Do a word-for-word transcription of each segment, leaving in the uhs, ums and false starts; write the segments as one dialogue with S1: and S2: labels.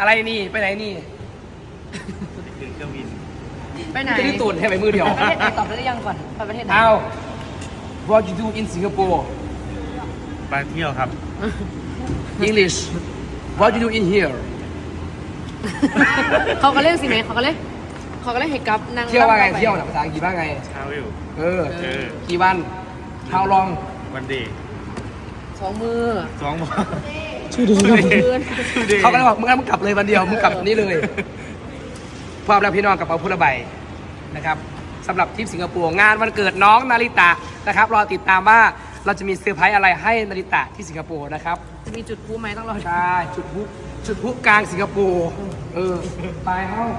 S1: อะไรนี่ไปไหนนี่
S2: ถึงเครื่องบิน
S3: ไปไหน
S1: จะได้ตูนให้ไปมือเดียว
S3: ประเทศไหนตอบได้หรือยังก่อนไปประเทศไหน
S1: เอา What you do in Singapore
S2: ไปเที่ยวครับ
S1: English What you do in here
S3: เขาก็เล่นสิไหมเขาก็เล่นเขาก็เล่นเฮกับนาง
S1: เที่ยวว่าไงเที่ยวหนักภาษาอังกฤษว่าไง
S2: travel
S1: เออ
S2: เออ
S1: กี่วัน How long
S2: วันเดย์
S3: สองมือ
S2: สองวัน
S1: ชื่อดี
S3: เดือน
S1: เขาก็เลยบอกมึงงั้นมึงกลับเลยวันเดียวมึงกลับนี่เลยพร้อมแล้วพี่น้องกับเป๋าพุทธใบนะครับสำหรับทริปสิงคโปร์งานวันเกิดน้องนาริตะนะครับรอติดตามว่าเราจะมีเซอร์ไพรส์อะไรให้นาริตะที่สิงคโปร์นะครับ
S3: จะมีจุดพูไหมต้องรอ
S1: ใช่จุดพุจุดพุกลางสิงคโปร์เออไปเฮ้า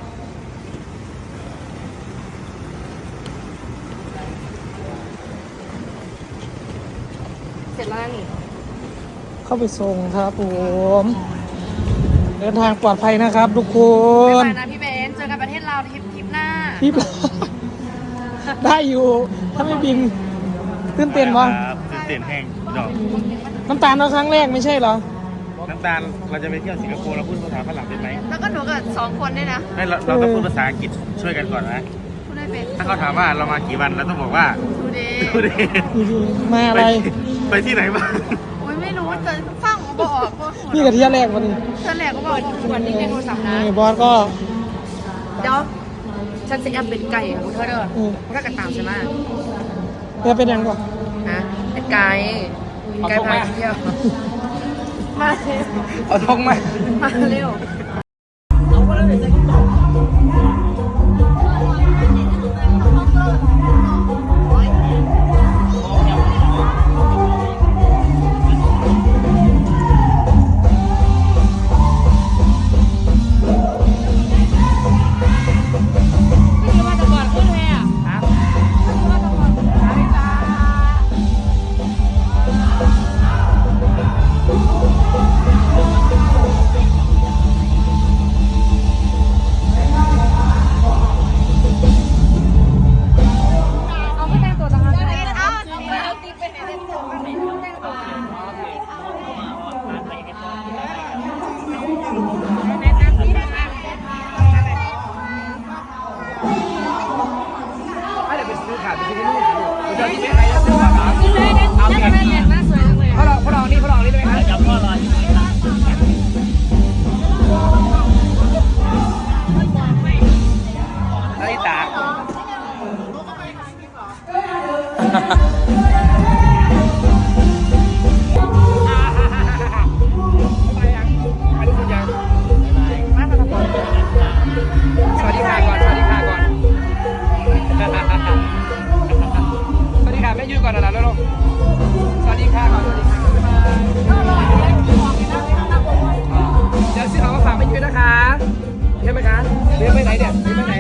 S3: เสร็จแล้วนี่
S4: เข้าไปส่งครับผมเดินทางปลอดภัยนะครับทุกค
S3: ไป
S4: น
S3: นะพี่เบนเจอกันประเทศลาวทริปทริปหน้า
S4: พี่ ได้อยู่ถ้าไม่บินตื่นเต้นวะ
S2: ครับตื่นเต้นแห้งดอก
S4: น้ำตาลเราครั้งแรกไม่ใช่เหรอ
S2: น้ำตาลเราจะไปเที่ยวสิงคโปร์เราพูดภาษาฝรั่งเป็นไหม
S3: แล้วก็หนูกับสองคนด้วยนะ
S2: ไม่เราเราต้องพูดภาษาอังกฤษช่วยกันก่อนนะ
S3: พูดได้เป็น
S2: ถ้าเขาถามว่าเรามากี่วันเราต้องบอกว่า
S3: ดูดี
S2: ดูดิ
S4: มาอะไร
S2: ไปไปที่ไหนบ้าง
S3: โอ้ยไม่รู้จะฟังบอกออกก็
S4: นี่กับเที่ยวแรกวันนี้
S3: เธอแหลกก็บอกวันนี้ในโทรศัพท์นะ
S4: นี่บอสก็
S3: เดี๋ยวฉันจะแอบเป็นไก่ของเธอเด้อ
S4: อืม
S3: มันก็กระตามใช่ไหม
S4: จะเป็นยังก่อน
S3: ฮะเป็นไก่ไก่พาเที่ยวมาเร็ว
S1: เอาทงไหม
S3: มาเร็ว เอาไม่แต่งตัวจังเลยเอาเอาตีเป็นอะไรตัว
S1: เดี๋ยวไปซื้อขาดไปซื้อที่นู่นเดี๋ยวที่ไม่ใครจะซื้อขาดเอาไงพ่อรองพ่อรองนี่พ่อรองนี่ได้ไหมครับจับพ่อรอนาริตะสวัสดีค่ะก่อนสวัสดีค่ะก่อนสวัสดีค่ะแม่ยูก่อนนะแล้วลูกสวัสดีค่ะก่อนสวัสดีค่ะเดี๋ยวซื้อของมาฝากแม่ยูนะคะใช่ไหมคะเรียนไปไหนเนี่ยเรียนไปไหน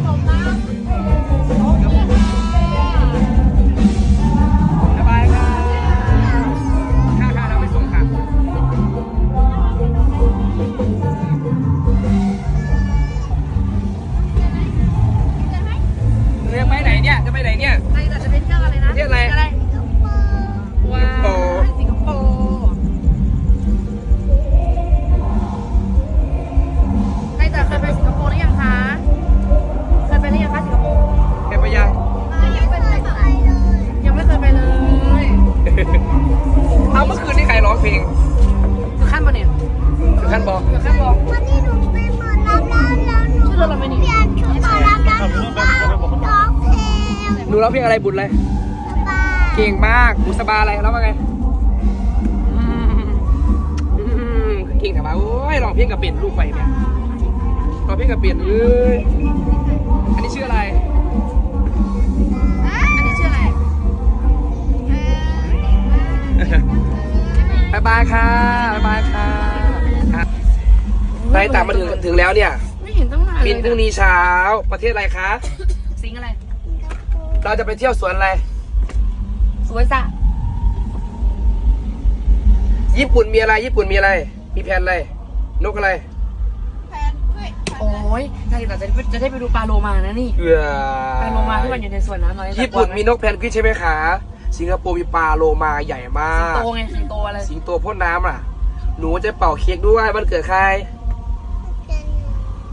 S1: สบายค่ะค่ะค่ะเราไปส่งค่ะเรียนไปไหนเนี่ยจะไปไหนเนี่ย
S3: ใครจะไปเที่ยวอะไรนะ
S1: เที่ยวอะไร
S3: ว้าวสิงคโปร์ใครจะเคยไปสิงคโปร์หรือยังคะเคยไปหรือยังคะสิงคโปร์
S1: แกไปยัง
S3: ยังไม่เคยไปเลยยังไม่เคยไปเลย
S1: เอาเมื่อคืนนี่ใครร้องเพลง
S3: คือขั้นบนเนี่ย
S1: ถึงขั้นบอก
S3: คือขั้นบอก
S5: วันนี้หนูเป็นหมอลำแล้วแล้วหนู
S3: ชื่อเราไม่หนี
S5: เปลี่ยนชุดหมอลำแล้วหนูก็ร้องเพลง
S1: หนูร้องเพลงอะไรบุญเลย
S5: สบาย
S1: เก่งมากบุษบาอะไรแล้วว่าไงอืมอืมเก่งแต่ว่าโอ้ยร้องเพลงกับเป็ดลูกไปเนี่ยร้องเพลงกับเป็ดเอ้ยอันนี้ชื่ออะไร
S3: อันนี้ชื่ออะไร
S1: บายบายค่ะบายบายค่ะไปต่างมาถึงถึงแล้วเนี่ย
S3: ไม่เห็นตั้งนานเลย
S1: บินพรุ่งนี้เช้าประเทศอะไรคะ
S3: สิงอะไร
S1: เราจะไปเที่ยวสวนอะไร
S3: สวนสระ
S1: ญี่ปุ่นมีอะไรญี่ปุ่นมีอะไร มีแผนอะไรนกอะไร
S3: โอ้ยใช่แต่จะจะได้ไปดูปลาโลมานะนี่
S1: เอือ
S3: ปลาโลมาที่มันอยู่ในสวนน้ำน้อย
S1: ญี่ปุ่นมีนกแพนกวินใช่ไหมคะสิงคโปร์มีปลาโลมาใหญ่มา
S3: สิง
S1: ก
S3: โตไงสิงโตอะไร
S1: สิงโตพ่นน้ำอ่ะ หนูจะเป่าเค้กด้วยวันเกิดใคร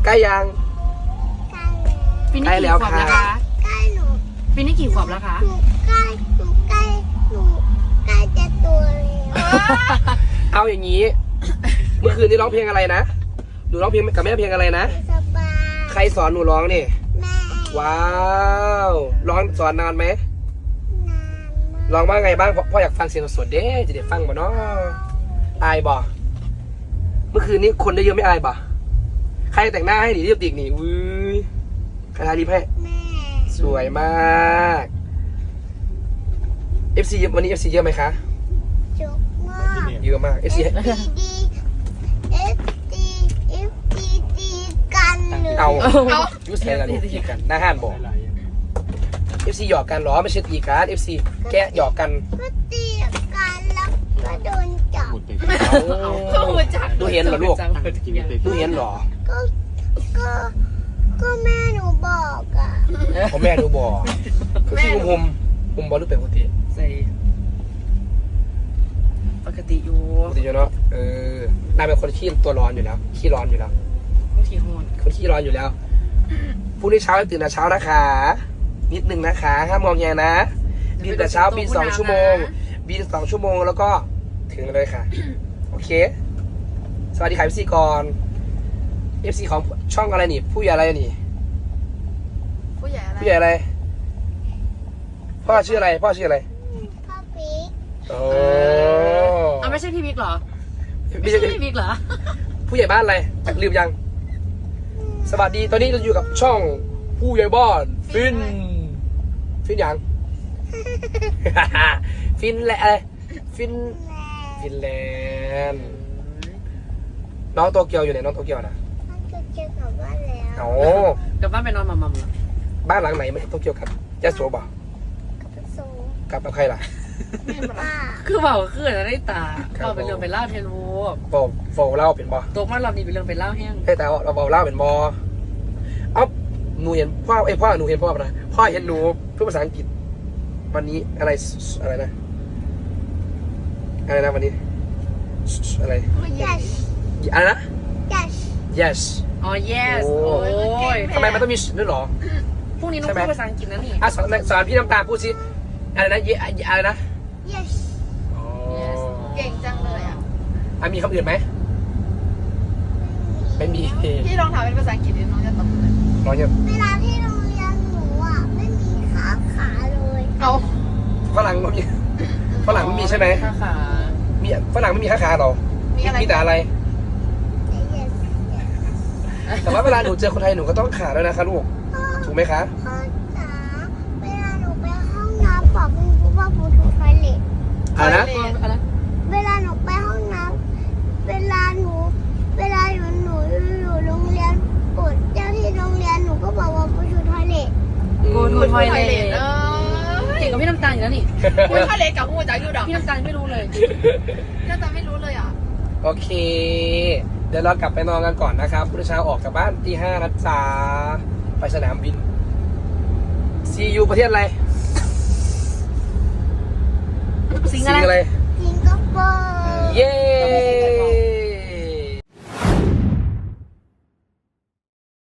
S1: ใกล้ยัง
S5: ใกล้
S3: ปีนี้
S1: ใกล้แล้
S3: กี่
S1: ว
S3: ขวบแล้ว
S1: ค่ะ
S3: คะ
S5: ใกล้หนู
S3: ปีนี้กี่ขวบแล้วคะ
S5: หนูใกล้หนูใกล้หนูใกล้จะตัวแล้ว
S1: เอาอย่างนี้ เมื่อคืนนี้ร้องเพลงอะไรนะหนูร้องเพลงกับแม่เพลงอะไรนะ
S5: สบาย
S1: ใครสอนหนูร้องนี่
S5: แม่
S1: ว้าวร้องสอนนานไหม
S5: นานมาก
S1: ร้องว่าไงบ้างพ่อพ่ออยากฟังเสียงสดๆเด้จะได้ฟังบ่เนาะอายบ่เมื่อคืนนี้คนได้เยอะไม่อายบ่ใครแต่งหน้าให้หนีรีบติกนี่อุ้ยใครทารีบให้
S5: แม่
S1: สวยมาก เอฟ ซี วันนี้ เอฟ ซี เยอะไหมคะ
S5: จุกมาก
S1: เยอะมาก เอฟ ซี
S5: ดีดีเอฟดีเอฟดีดีกันเลย
S1: เอายูสไทกันตีกันหน้าห้านบอก เอฟ ซี หยอกกันเหรอไม่ใช่ตีกัน เอฟ ซี แกะหยอกกัน
S5: ก็ตีกันแล้วก็โดนจับ
S2: พูดไป
S1: เอาดูเห็นเหรอลูกดูเห็นเหรอ
S5: ก็ก็ก็แม่หนูบอกอ่ะ
S1: ผมแม่ดูบอกคือที่หุมหุมบอลลูกเป็นปกติ
S3: ใส่ปกติอยู่
S1: ปกติอยู่เนาะเออนายเป็นคนขี้ตัวร้อนอยู่แล้วขี้ร้อนอยู่แล้ว
S3: บางทีโหด
S1: คนขี้ร้อนอยู่แล้วพรุ่งนี้เช้าให้ตื่นแต่เช้านะคะนิดนึงนะคะห้ามมองแงนะบินแต่เช้าบินสองชั่วโมงบินสองชั่วโมงแล้วก็ถึงเลยค่ะโอเค สวัสดีค่ะเอฟซีก่อนเอฟซีของช่องอะไรนี่ผู้ใหญ่อะไรนี่
S3: ผู้ใหญ่อะไร
S1: ผู้ใหญ่อะไรพ่อชื่ออะไรพ่อชื่ออะไร
S5: พ่อปิ๊ก
S1: โอ้
S3: เอาไม่ใช่พี่บิ๊กเหรอ
S1: ไม่
S3: ไม่
S1: ใช่
S3: ใช่พี่บิ๊กเหรอ
S1: ผู้ใหญ่บ้านอะไรลืมยัง สวัสดีตอนนี้เราอยู่กับช่องผู้ใหญ่บ้านฟินฟินยัง ฟินแหละอะไรฟิน
S5: แม่
S1: ฟินแลนด์น้องโตเกียวอยู่ไหนน้องโตเกียวนะ
S5: มันจะเจอกับบ้านแล้ว
S1: โอ้
S3: กลับบ้านไปนอนมัมมัมเหรอ
S1: บ้านหลังไหนไม่โตเกียวกันยะโสบ่
S5: กับประสู
S1: กลับกับใครล่ะ
S5: ป้า
S3: คือเบาคืออะไรได้ตา
S1: ครับ
S3: เบาเป็นเรื่องเป็นเล่าวเทนโว
S1: บอกโฟเล่าเป็นบ่
S3: ตกมารอบนี้เป็นเรื่องเป็นเล่าวแห้ง
S1: ให้แต่เราบอกเล่าเป็นบ่เอ้าหนูเห็นพ่อไอ้ยพ่อหนูเห็นพ่อปะนะพ่อเห็นหนูพูดภาษาอังกฤษวันนี้อะไรอะไรนะอะไรนะวันนี้อะไร
S5: yes
S1: อะไรนะ
S5: yes
S1: yes
S3: อ๋อ yes
S1: โอ้
S3: โอ้ย
S1: ทำไมมันต้องมีด้วยเหรอ
S3: พรุ่งนี้ต้อง
S1: ใช่ไหม
S3: พูดภาษาอังกฤษนะนี่
S1: อ่ะสอนสอนพี่น้ำตาลพูดสิอะไรนะเยอะไรนะ
S5: yes
S3: yes เก่งจังเลยอ่ะ
S1: อ่ะมีคำอื่นไหมไม่มี
S3: พี่ลองถามเป็นภาษาอังกฤษดิน้องจะตอบเลย
S1: น้อยเนี่ย
S5: เวลาที่โรงเรียนหนูอ่ะไม่มีขาขาเลย
S3: เอา
S1: ฝรั่งไม่มีฝรั่งไม่มีใช่ไหม
S3: ขาขา
S1: มีฝรั่งไม่มีขาขาหรอ
S3: มีอะไร
S1: มีแต่อะไร
S5: แต่ yes yes
S1: แต่ว่าเวลาหนูเจอคนไทยหนูก็ต้องขาด้วยนะคะลูก
S5: พ่อ
S1: ถูกไหมคะ
S5: พ่อจ๋าเวลาหนูไปห้องน้ำบอกคุณครูว่าคุณถูกทอยเล็ต
S1: อะไรนะ
S3: อะไร
S5: เวลาหนูไปห้องน้ำเวลาหนู เวลาหนูหนูอยู่โรงเรียนกดเจ้าที่โรงเรียนหนูก็บอกว่าคุณถูกทอยเล็ต
S3: กูดูทอยเลทเก่งกับพี่น้ำตาลอยู่แล้วนี่
S6: พูดทะเลกับหูจากยูดอก
S3: พี่น้ำตาลไม่รู้เลย
S6: น่าจะไม่รู้เลยอ่ะ
S1: โอเค เดี๋ยวเรากลับไปนอนกันก่อนนะครับพรุ่งนี้เช้าออกจากบ้านตีห้านะจ๊ะไปสนามบิน ซียูประเทศอะไร
S3: สิงอะไร
S1: อะไร